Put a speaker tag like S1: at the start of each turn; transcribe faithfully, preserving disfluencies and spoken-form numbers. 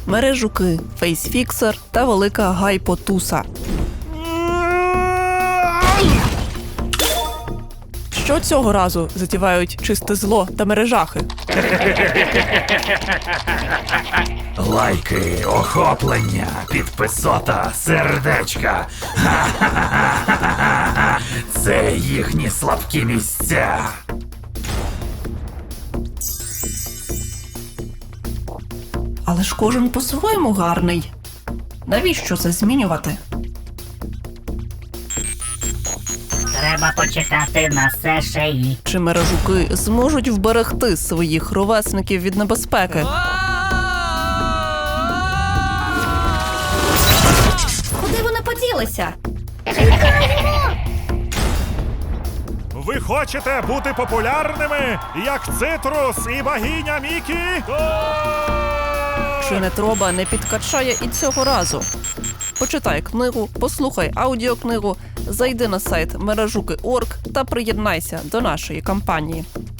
S1: мережуки, фейсфіксер та велика гайпотуса. Що цього разу затівають чисте зло та мережахи?
S2: Лайки, охоплення, підписота, сердечка. Ха-ха-ха-ха-ха-ха. Це їхні слабкі місця.
S1: Але ж кожен по-своєму гарний. Навіщо це змінювати?
S3: Треба почекати на СШІ.
S1: Чи мережуки зможуть вберегти своїх ровесників від небезпеки?
S4: Куди вони поділися?
S5: Ви хочете бути популярними, як Цитрус і богиня Мікі?
S1: Чи Нетроба не підкачає і цього разу? Почитай книгу, послухай аудіокнигу, зайди на сайт мережуки крапка орг та приєднайся до нашої кампанії.